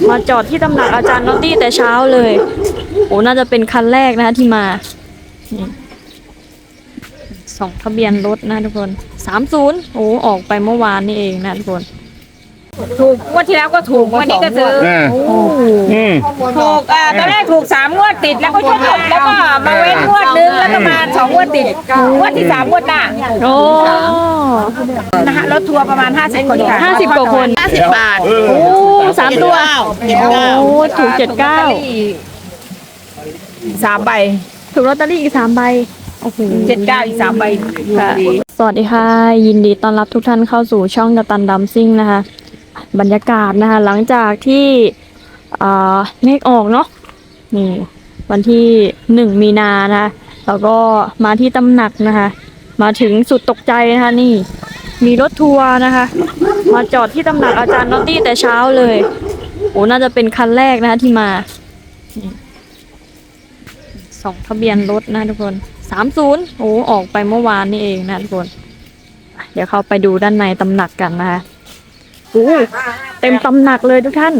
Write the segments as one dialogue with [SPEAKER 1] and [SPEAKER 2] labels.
[SPEAKER 1] มาจอดที่ตำหนักอาจารย์นอตตี้แต่เช้าเลยโอ้น่าจะเป็นคันแรกนะคะที่มาส่องทะเบียนรถนะทุกคน30โอ้ออกไปเมื่อวานนี่เองนะทุกคน
[SPEAKER 2] ถูกงวดที่แล้วก็ถูกวันนี้ก็ซื้อถูกตอนแรกถูก3 งวดติดแล้วก็ชดแล้วก็มาเว้นงวดนึงแล้วก็มา2 งวดติดงวดที่3 งวดหน้า
[SPEAKER 1] โอ้
[SPEAKER 2] นะคะรถทัวร์ประมาณ50 คนค่ะ
[SPEAKER 1] 50 กว่าคน
[SPEAKER 2] 50 บาท
[SPEAKER 1] โอ้3 ตัวโอ้ถูก79
[SPEAKER 2] 3 ใบ
[SPEAKER 1] ถูกลอตเตอรี่อีก3 ใบโอ้โห
[SPEAKER 2] 79อีก3 ใบ
[SPEAKER 1] สวัสดีค่ะยินดีต้อนรับทุกท่านเข้าสู่ช่องกัปตันดัมซิ่งนะคะบรรยากาศนะคะหลังจากที่เลขออกเนาะนี่วันที่1 มีนานะคะแล้วก็มาที่ตำหนักนะคะมาถึงสุดตกใจนะคะนี่มีรถทัวร์นะคะมาจอดที่ตำหนักอาจารย์นอตตี้แต่เช้าเลยโอ้น่าจะเป็นคันแรกนะคะที่มาส่องทะเบียนรถนะทุกคน30โอ้ออกไปเมื่อวานนี่เองนะทุกคนเดี๋ยวเข้าไปดูด้านในตำหนักกันนะคะโอ้เต็มตำหนักเลยทุกท่าน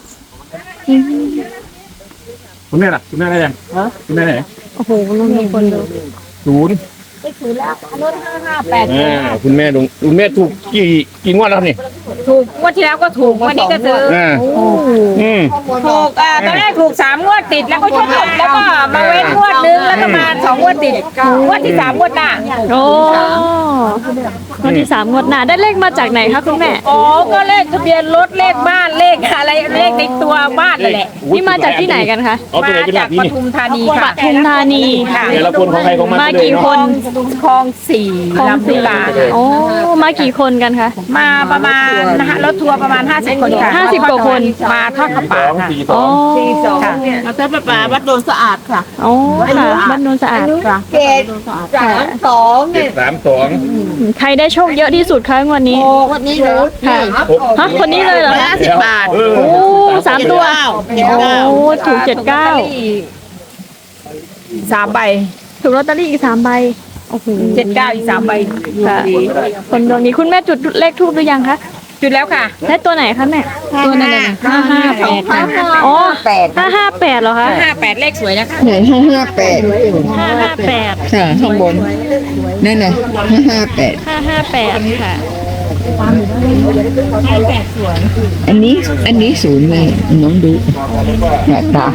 [SPEAKER 3] คุณแม่ล่ะคุณแม่ได้ยังคุณแม่ไหน
[SPEAKER 1] โอ้โหลุงมีคนดู
[SPEAKER 3] 0
[SPEAKER 2] ไม่ถือแล้วรถ558
[SPEAKER 3] คุณแม่ถูกกี่งวดแล้วนี่
[SPEAKER 2] ถูกงวดที่แล้วก็ถูกวันนี้ก็ซื้อถูกตอนแรกถูก3 งวดติดแล้วก็ชดแล้วก็มาเว้นงวดนึงแล้วก็มา2 งวดติดงวดที่3 งวดหน้า
[SPEAKER 1] โอ้งวดที่3 งวดหน้าได้เลขมาจากไหนคะคุณแม่
[SPEAKER 2] อ๋อก็เลขทะเบียนรถเลขบ้านเลขอะไรเลขในตัวบ้านนั่นแหละ
[SPEAKER 1] นี่มาจากที่ไหนกันคะ
[SPEAKER 2] มาจากปทุมธานีค่ะ
[SPEAKER 1] ปทุมธานี
[SPEAKER 3] ค่ะแต่ละคนของใครของมัน
[SPEAKER 1] มากี่คน
[SPEAKER 2] คลอง4ลำพูน
[SPEAKER 1] โอ้มากี่คนกันคะ
[SPEAKER 2] มาประมาณนะคะรถทัวร์ประมาณ50 คนค่ะ
[SPEAKER 1] 50 กว่าคน
[SPEAKER 2] มาทอดกระป๋าค่ะ
[SPEAKER 1] อ๋อ
[SPEAKER 2] มาทอดกระป๋าวัดโนนสะอาดค่ะ
[SPEAKER 1] อ๋อค่ะวัดโนนสะอาดค่ะ
[SPEAKER 2] เกต32เนี่ย
[SPEAKER 1] ใครได้โชคเยอะที่สุดคะวันนี้
[SPEAKER 2] วันนี้เหรอ
[SPEAKER 1] ค่ะฮะคนนี้เลยเหรอ
[SPEAKER 2] 50 บาท
[SPEAKER 1] โอ้3 ตัวโอ้ถูก79
[SPEAKER 2] 3 ใบ
[SPEAKER 1] ถูกลอตเตอรี่อีก3 ใบโอ้โห
[SPEAKER 2] 79อีก3 ใบ
[SPEAKER 1] ค่ะคนดวงนี้คุณแม่จุดเลขทูบหรือยังคะ
[SPEAKER 2] จุดแล้วค่ะ
[SPEAKER 1] ได้ตัวไหนคะแม่
[SPEAKER 2] ตัวนั้น
[SPEAKER 1] 558อ๋อ558เหรอคะ
[SPEAKER 2] 558เลขสวยนะคะ
[SPEAKER 4] ไหน558ค่ะข้างบนนั่นน่ะ558
[SPEAKER 1] ค่ะ
[SPEAKER 4] สวยอันนี้ศูนย์เลยน้องดูหน้าตา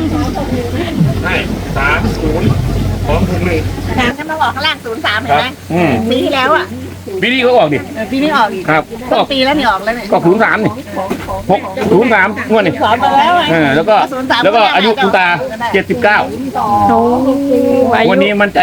[SPEAKER 3] 30ของคุณเลย
[SPEAKER 2] 3มาบอกข้างล่าง03เห็นไหมปีที่แล้วอ่ะ
[SPEAKER 3] ปีนี้เขาออกดิ
[SPEAKER 2] ปีนี้ออกอีก
[SPEAKER 3] ครับ
[SPEAKER 2] ก็ปีแล้วนี่ออกแล้วนี่
[SPEAKER 3] ก็03นี่603งวดนี่แล้วก็อายุคุณตา79
[SPEAKER 1] โอ้
[SPEAKER 3] วันนี้มันใจ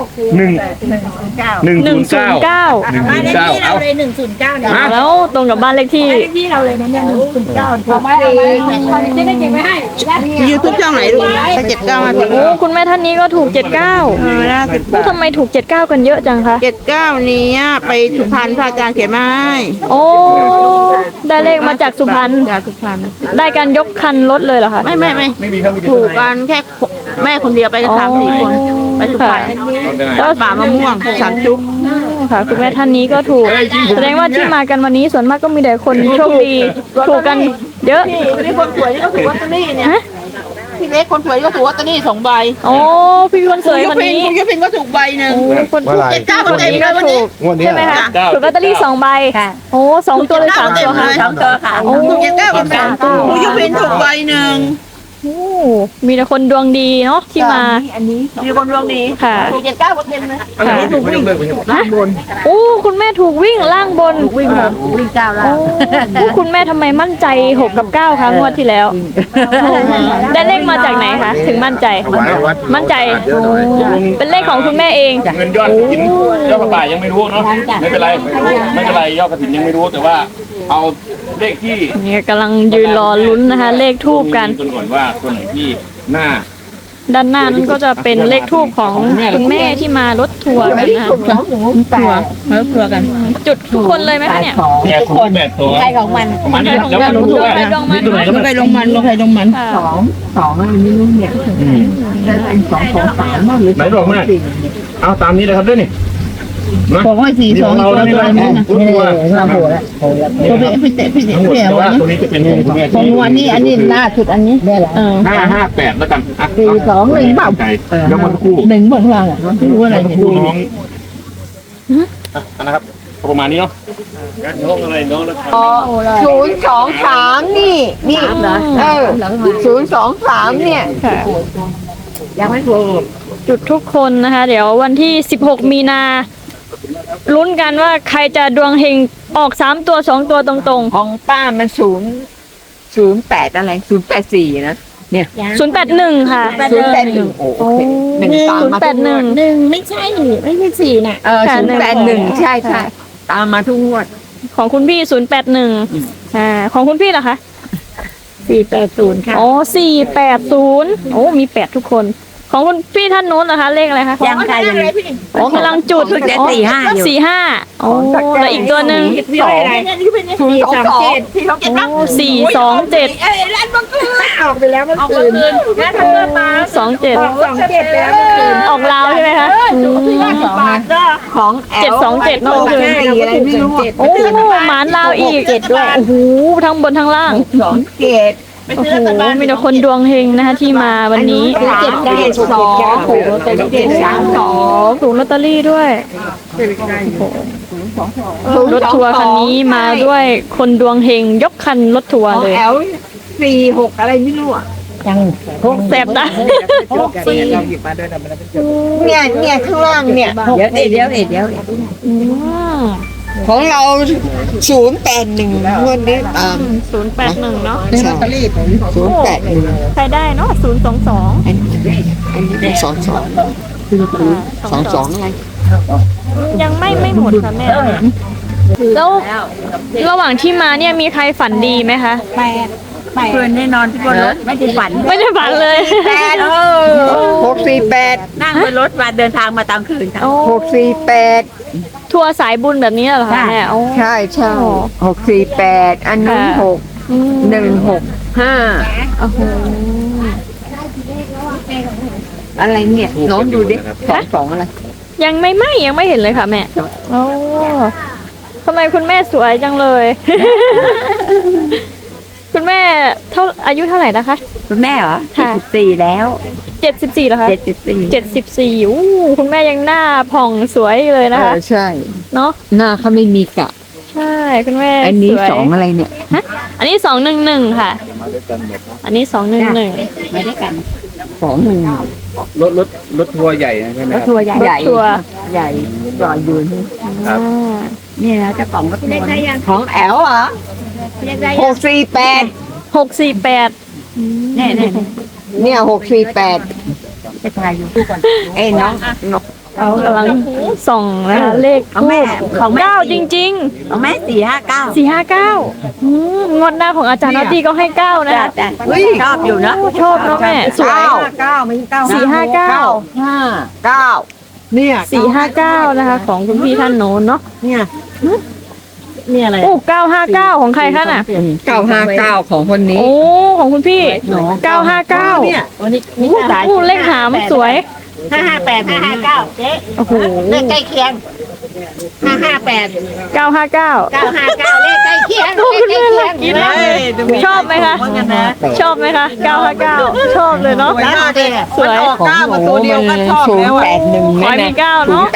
[SPEAKER 3] 109
[SPEAKER 2] เอาเลย109เนี่ย
[SPEAKER 1] แล้วตรงกับบ้านเลขที่
[SPEAKER 2] เราเลยนะเนี่ย109เอาไว้จะได้เก็บไว้ให้
[SPEAKER 4] ยูทูบช่องไหนลูก79มาถึง
[SPEAKER 1] โอ้คุณแม่ท่านนี้ก็ถูก79ทำไมถูก79กันเยอะจังคะ
[SPEAKER 4] 79นี้ไปสุพรรณพระอาจารย์เขียนมาให้
[SPEAKER 1] โอ้ได้เลขมาจากสุพรรณได้การยกคันรถเลยเหรอคะ
[SPEAKER 4] ไม่ถูกกันแค่แม่คนเดียวไปกัน3-4 คนไปสุพรรณแล้วป่ามะม่วงสันจุ๊บ
[SPEAKER 1] ค่ะคุณแม่ท่านนี้ก็ถูกแสดงว่าที่มากันวันนี้ส่วนมากก็มีแต่คนโชคดีถูกกันเยอะ
[SPEAKER 4] พี่คนสวยก็ถูกลอตเตอรี่เนี่ยพี่เล็กคนสวยก็ถูกลอตเตอรี่2 ใบ
[SPEAKER 1] โอ้พี่คนสวยวันนี้
[SPEAKER 4] คุณยุพินก็ถูกใบนึง
[SPEAKER 1] คนถูก
[SPEAKER 4] 79คนเต็มเลยวันนี้
[SPEAKER 1] ใช่ไหมคะถูกลอตเตอรี่2 ใบโอ้2 ตัวเลย3 ตัวค่ะ
[SPEAKER 2] 2 ตัวค่ะ
[SPEAKER 4] ถูก79คนคุณยุพินถูกใบนึง
[SPEAKER 1] มีแต่คนดวงดีเนาะที่มา
[SPEAKER 4] อันนี้มีคนดวงดี
[SPEAKER 1] ค่ะ
[SPEAKER 4] ถูก79คนเต็มเลย
[SPEAKER 3] ถูกวิ่ง
[SPEAKER 4] ล่างบน
[SPEAKER 1] โอ้คุณแม่ถูกวิ่งล่างบน
[SPEAKER 4] วิ่ง9ล่าง
[SPEAKER 1] โอ้คุณแม่ทำไมมั่นใจ6 กับ 9คะงวดที่แล้วได้เลขมาจากไหนคะถึงมั่นใจเป็นเลขของคุณแม่เอง
[SPEAKER 3] เงินยอดกฐินยอดกระต่ายยังไม่รู้เนาะไม่เป็นไรยอดกฐินยังไม่รู้แต่ว่าเอาเลขที่
[SPEAKER 1] เนี่ยกำลังยืนรอลุ้นนะคะเลขทูบกัน
[SPEAKER 3] ก่อนว่าตัวไหนที่หน้า
[SPEAKER 1] ด้านหน้านั้นก็จะเป็นเลขทูบของคุณแม่ที่มารถทัวร์กันนะ
[SPEAKER 4] ทัวร์กัน
[SPEAKER 1] จุดทุกคนเลยไหมคะเนี่ย
[SPEAKER 3] ทุกคนแบบตัว
[SPEAKER 2] ใครของมัน
[SPEAKER 3] แล้วก็รู้ว่า
[SPEAKER 4] ลงไปลงมัน2อันนี้ลูกเนี่ยเป็น2 2 3หรือ
[SPEAKER 3] ไหนบอกมาเอาตามนี้เลยครับด้วยนี่
[SPEAKER 4] ผมว่าสี่สอง
[SPEAKER 3] เรา
[SPEAKER 4] ตัว
[SPEAKER 3] แล้ว
[SPEAKER 4] ตัว
[SPEAKER 3] ใช่ไหม
[SPEAKER 4] นั้น
[SPEAKER 3] ตัวตัว
[SPEAKER 4] เราโหดแล้วตัวพี่เตะ
[SPEAKER 3] ทั้งหมด
[SPEAKER 4] พี่
[SPEAKER 3] แต่
[SPEAKER 4] เอา
[SPEAKER 3] ว่า
[SPEAKER 4] ไว้
[SPEAKER 3] ตัวนี้จะเป็นของคุณแม่
[SPEAKER 4] ของวันนี้อันนี้ล่าสุดอันนี้
[SPEAKER 3] 558แล้วกัน
[SPEAKER 4] 421เปล่า
[SPEAKER 3] ยกมาทุกคู่
[SPEAKER 4] หนึ่งบนล่างอ่ะไม่รู้อะไรเนี่ย
[SPEAKER 3] คู่น้องนะครับประมาณนี้เนาะน้องอะไรน้องแล้ว
[SPEAKER 5] 023นี่023เนี่ย
[SPEAKER 1] ค่ะ
[SPEAKER 4] ยังไม่ถูก
[SPEAKER 1] จุดทุกคนนะคะ เดี๋ยววันที่ 16 มีนาลุ้นกันว่าใครจะดวงเฮงออก3ตัว2ตัวตรง
[SPEAKER 5] ของป้ามัน008อะไร084นะเนี่ย
[SPEAKER 1] ๆ 081 ค่ะ
[SPEAKER 5] 081โอเคหนึ่งตามมาทุกงวด
[SPEAKER 1] 081
[SPEAKER 4] หนึ่งไม่ใช่สี่น่ะ
[SPEAKER 1] ค่ะ
[SPEAKER 5] 081ใช่ใช่ตามมาทุกงวด
[SPEAKER 1] ของคุณพี่ 081ของคุณพี่ล่ะคะ
[SPEAKER 4] 480ค่ะ
[SPEAKER 1] อ๋อ480โอ้มี8ทุกคน ของคุณพี่ท่านโน้นนะคะเลขอะไรคะ
[SPEAKER 4] ยังค่ะยัง
[SPEAKER 1] อ๋อกำลังจุด
[SPEAKER 5] เพิ่งจะ45อยู่
[SPEAKER 1] 45อ๋อแล้วอีกตัวหนึ่ง
[SPEAKER 5] 027ที่เขาเก็บ
[SPEAKER 1] โอ้427
[SPEAKER 5] ร้านบังเอิญออกไปแล้วมันคืน
[SPEAKER 2] งั้นถ้าเกิดมา
[SPEAKER 1] 27
[SPEAKER 2] 27แล้ว
[SPEAKER 1] ออกลาวใช่ไหมคะ
[SPEAKER 5] ของแอล
[SPEAKER 1] 727เนอะ
[SPEAKER 5] 64อะไรไม่รู้
[SPEAKER 1] โอ้หมานลาวอีกด้วยโอ้โหทั้งบนทั้งล่าง
[SPEAKER 5] 2เกต
[SPEAKER 1] โอ้โหมีแต่คนดวงเฮงนะคะที่มาวันนี้
[SPEAKER 5] 372ถูกลอตเตอรี่32
[SPEAKER 1] ถูกลอตเตอรี่ด้วยรถทัวร์คันนี้มาด้วยคนดวงเฮงยกคันรถทัวร์
[SPEAKER 5] ของ
[SPEAKER 1] เลย
[SPEAKER 5] แอล46อะไรไม่รู้อ่ะ
[SPEAKER 4] ยัง
[SPEAKER 1] แสบตา
[SPEAKER 5] เนี่ยข้างล่างเนี่ยเดี๋ยว
[SPEAKER 1] อืม
[SPEAKER 5] ของเรา081งวดนี้ตาม
[SPEAKER 1] 081เนาะ
[SPEAKER 5] ใช่081
[SPEAKER 1] ใครได้เนาะ022
[SPEAKER 5] อันนี้เป็น22อะไร
[SPEAKER 1] ยังไม่หมดค่ะแม่แล้วระหว่างที่มาเนี่ยมีใครฝันดีไหมคะ
[SPEAKER 4] เพื่อนแน่นอนที่บนรถไม่ได้ฝัน
[SPEAKER 1] ไม่ได้ฝันเลย
[SPEAKER 5] 648
[SPEAKER 4] นั่งบนรถมาเดินทางมาตามคืนค่ะ
[SPEAKER 1] โอ้
[SPEAKER 5] 648
[SPEAKER 1] ทัวร์สายบุญแบบนี้เหรอคะแม่โอ้
[SPEAKER 5] ใช่648อันนั้น
[SPEAKER 1] อืม
[SPEAKER 5] 6165
[SPEAKER 1] โอ้โห
[SPEAKER 5] อะไรเนี่ยน้องดูดิ22อะไร
[SPEAKER 1] ยังไม่เห็นเลยค่ะแม่โอ้ทำไมคุณแม่สวยจังเลย คุณแม่อายุเท่าไหร่นะคะ
[SPEAKER 4] คุณแม่เหรอ
[SPEAKER 1] ค่ะ
[SPEAKER 4] 74แล้ว
[SPEAKER 1] 74เหรอคะ
[SPEAKER 4] 74
[SPEAKER 1] 74อู้คุณแม่ยังหน้าผ่องสวยเลยนะคะ
[SPEAKER 5] ใช่
[SPEAKER 1] เนาะ
[SPEAKER 5] หน้าเขาไม่มีกะ
[SPEAKER 1] ใช่คุณแม่
[SPEAKER 5] อันนี้
[SPEAKER 1] สวย
[SPEAKER 5] 2อะไรเนี่ย
[SPEAKER 1] ฮะอันนี้211ค่ะ อันนี้211
[SPEAKER 4] ไม่ได้กัน
[SPEAKER 5] 21
[SPEAKER 3] รถทัวร์ใหญ่ใช่ไหมครับ
[SPEAKER 4] ทัวร์ใหญ่
[SPEAKER 1] รถทัวร์
[SPEAKER 5] ใหญ่จอดอยู่นี่
[SPEAKER 3] ครับ
[SPEAKER 4] นี่นะเจ้าของก็ทัวร์
[SPEAKER 5] ของแอลเหรอ648
[SPEAKER 1] 648
[SPEAKER 4] แน่
[SPEAKER 5] เนี่ย648
[SPEAKER 4] จะทายอยู่ก่อน
[SPEAKER 5] เอ้น้องนก
[SPEAKER 1] เขากำลังส่องนะคะเลข
[SPEAKER 4] ของแม่ของแม่
[SPEAKER 1] 9จริง
[SPEAKER 4] ของแม่459
[SPEAKER 1] 459งวดหน้าของอาจารย์นอตตี้ก็ให้9นะคะ
[SPEAKER 4] แต่ชอบอยู่นะ
[SPEAKER 1] ชอบเนาะแม่สวย
[SPEAKER 5] 9ไม่ใช่9
[SPEAKER 1] 459
[SPEAKER 5] 9เนี่ย
[SPEAKER 1] 459นะคะของคุณพี่ท่านโน้นเนาะ
[SPEAKER 5] เนี่ย
[SPEAKER 4] นี่อะไร
[SPEAKER 1] โอ้959ของใครคะน่ะ
[SPEAKER 5] 959ของคนนี้
[SPEAKER 1] โอ้ของคุณพี่959
[SPEAKER 5] เนี่ย
[SPEAKER 4] วันนี้
[SPEAKER 1] โอ้เลขหามสวย
[SPEAKER 4] 558 559เจ๊
[SPEAKER 1] โอ้โห
[SPEAKER 4] เลขใกล้เคียง558
[SPEAKER 1] 959
[SPEAKER 4] 959เลขใกล้เคียง
[SPEAKER 1] ดูคุณแม่ละกินแล้วชอบไหมคะ ชอบไหมคะ959ชอบเลยเนาะสวย
[SPEAKER 5] 9มาตัวเดียวก็ชอบแล้ว081
[SPEAKER 1] ขอให้มี9เนาะ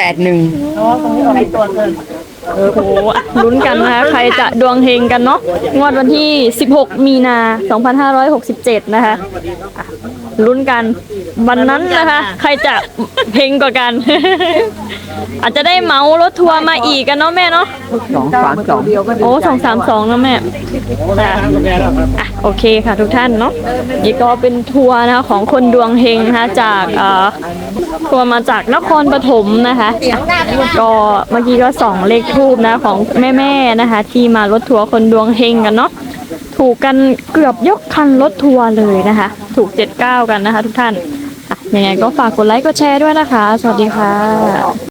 [SPEAKER 5] 081
[SPEAKER 1] โอ้โหลุ้นกันนะคะใครจะดวงเฮงกันเนาะงวดวันที่ 16 มีนา 2567 นะคะอ่ะลุ้นกันวันนั้นนะคะ ใครจะเฮงกว่ากัน อาจจะได้เหมารถทัวร์มาอีกกันเนาะแม่เนาะ
[SPEAKER 5] 232
[SPEAKER 1] โอ้232นะแม่ค่ะอ่ะโอเคค่ะทุกท่านเนาะนี่ก็เป็นทัวร์นะคะของคนดวงเฮงนะคะจากทัวร์มาจากนครปฐมนะคะ ก็เมื่อกี้ก็ส่องเลขทูบนะของแม่ๆนะคะ ที่มารถทัวร์คนดวงเฮงกันเนาะถูกกันเกือบยกคันรถทัวร์เลยนะคะ ถูก79กันนะคะ ทุกท่านอ่ะยังไงก็ฝากกดไลค์กดแชร์ด้วยนะคะ สวัสดีค่ะ